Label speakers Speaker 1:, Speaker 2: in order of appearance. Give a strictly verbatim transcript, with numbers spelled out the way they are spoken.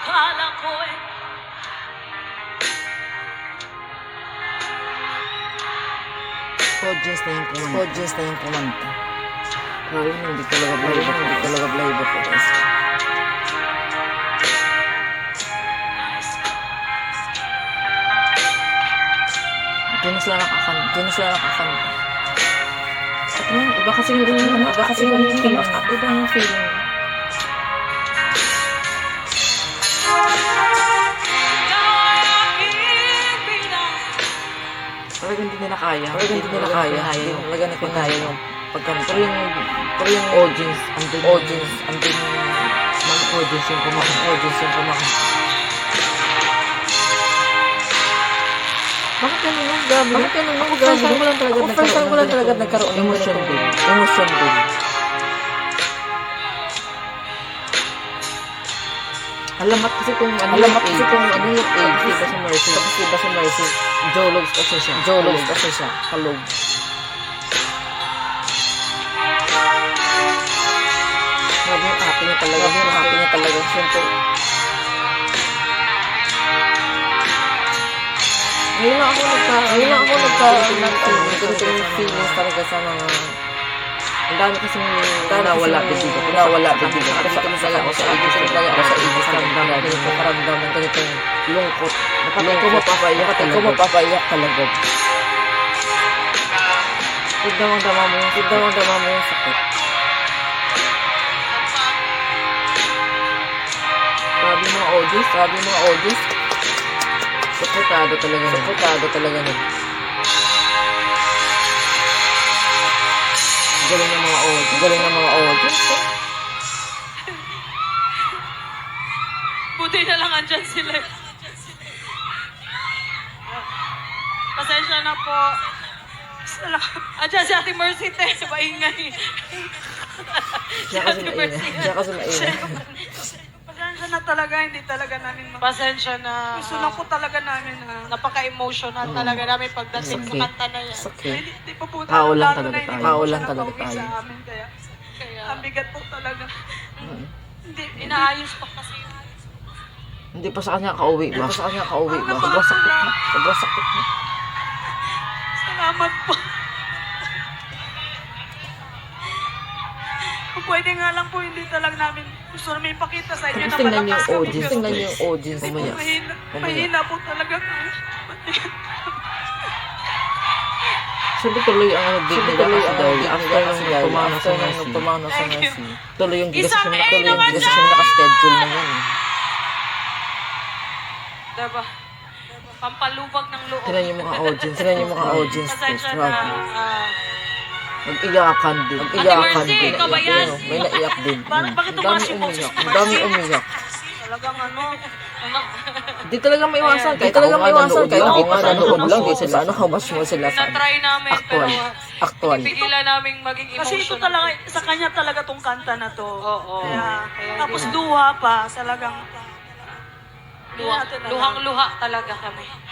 Speaker 1: Akala ko eh.
Speaker 2: Audience na yung kumanta. Audience na yung kumanta. Grabe mo, hindi talaga blind ako. Hindi talaga blind ako. Guys. Hindi na sila nakakanta. Hindi na sila nakakanta. At ano, iba kasi yung ano, iba kasi yung feeling. Iba yung feeling. Talagang hindi nila kaya. Talagang hindi nila kaya. Talagang hindi nila kaya yung pagkanta. Pero yung, pero yung audience, andun audience, andun yung mga audience yung kumakanta. Audience yung kumakanta. Bakit ganun yung grabe? Bakit ganun yung grabe? Ako ko lang talaga nagkaroon. First time ko lang talaga nagkaroon. Emotion din. Emotion din. Alamat kasi kung ano Alamat kasi kung ano yung age. Diba sa Mercy? Tapos diba sa Mercy? Jologs kasi siya. Jologs kasi siya. Kalog. Grabe yung ate niya talaga. Grabe yung ate niya talaga. Siyempre. Ngayon lang ako nagka... Ngayon lang ako nagka... Ganito yung feelings talaga sa mga... Ang dami kasi nawala din dito. Nawala din dito. Ako sa talaga ako sa ibig. Talaga ako sa ibig. Karamdam. Ganito karamdam ng ganitong lungkot. Napatay ko mapapaiyak. Napatay ko mapapaiyak talaga. Tignan mo ang dama mo yung... Tignan mo ang dama mo yung sakit. Grabe mga audience. Grabe mga audience. Supportado talaga. Supportado talaga nun. Galing ng mga audience. Galing ng mga audience.
Speaker 1: Buti na lang andyan sila. Pasensya na po. Andyan si Ate Mercy, te. Maingay. Si
Speaker 2: Siya kasi
Speaker 1: Ate
Speaker 2: maingay.
Speaker 1: Mercy.
Speaker 2: Siya kasi maingay.
Speaker 3: Pasensya na talaga, hindi talaga namin mag-
Speaker 1: Pasensya na.
Speaker 3: Gusto lang po talaga namin na
Speaker 1: Napaka-emotional talaga namin pagdating sa
Speaker 2: Sakit.
Speaker 1: kanta na yan.
Speaker 2: Sakit.
Speaker 3: hindi, hindi pa po
Speaker 2: Tao lang
Speaker 3: lalo
Speaker 2: talaga
Speaker 3: na hindi
Speaker 2: tayo.
Speaker 3: pa po
Speaker 2: Tao
Speaker 3: siya
Speaker 2: lang talaga
Speaker 3: nakauwi
Speaker 2: tayo.
Speaker 3: sa amin, kaya
Speaker 1: Kaya,
Speaker 3: ang bigat po talaga.
Speaker 2: Mm.
Speaker 3: Hindi,
Speaker 1: inaayos pa kasi.
Speaker 2: Hindi pa sa kanya kauwi ba? Hindi pa sa kanya kauwi ba? Sobrang sakit na. Sobrang sakit na.
Speaker 3: Salamat po. Kung pwede nga lang po, hindi talaga namin gusto namin ipakita sa inyo
Speaker 2: Tapos
Speaker 3: na
Speaker 2: tingnan niyo
Speaker 3: malakas
Speaker 2: yung
Speaker 3: kami.
Speaker 2: audience.
Speaker 3: Pero
Speaker 2: Tingnan niyo yung audience.
Speaker 3: hindi po,
Speaker 2: Mamaya.
Speaker 3: mahina,
Speaker 2: Mamaya.
Speaker 3: mahina po talaga kami.
Speaker 2: Sabi tuloy ang ano din nila kasi dahil after nung
Speaker 3: nila
Speaker 2: pumano sa
Speaker 3: after nung
Speaker 2: Mercy.
Speaker 3: pumano
Speaker 2: sa
Speaker 3: Thank you.
Speaker 2: Mercy. Tuloy yung gigas
Speaker 1: Isang
Speaker 2: siya
Speaker 1: A
Speaker 2: tuloy yung
Speaker 1: naman
Speaker 2: gigas siya naka-schedule na yun.
Speaker 1: Diba? Pampalubag ng loob.
Speaker 2: Tingnan niyo mga audience. Tingnan niyo mga audience.
Speaker 1: Pasensya na.
Speaker 2: Grabe.
Speaker 1: ah,
Speaker 2: Mag-iyakan din. Mag-iyakan
Speaker 1: Mercy,
Speaker 2: din.
Speaker 1: ikaw ba yan?
Speaker 2: Ayun, may naiyak din.
Speaker 3: Ba- bakit
Speaker 2: Ang
Speaker 3: tumaas
Speaker 2: dami
Speaker 3: yung boses
Speaker 2: umiyak.
Speaker 3: ni
Speaker 2: Ang dami
Speaker 3: Mercy?
Speaker 2: umiyak.
Speaker 3: Talagang ano,
Speaker 2: Di talaga maiwasan. Kahit talaga maiwasan. Kahit ako nga nanood lang. Di sila ano, how much mo sila sa
Speaker 1: na-try namin,
Speaker 2: actual.
Speaker 1: pero
Speaker 2: Actual.
Speaker 1: pigilan namin maging emotional.
Speaker 3: kasi ito talaga, sa kanya talaga tong kanta na to.
Speaker 1: Oo.
Speaker 3: Kaya,
Speaker 1: Kaya
Speaker 3: tapos
Speaker 1: hindi-
Speaker 3: luha pa, talagang,
Speaker 1: Luha, luhang-luha talaga kami.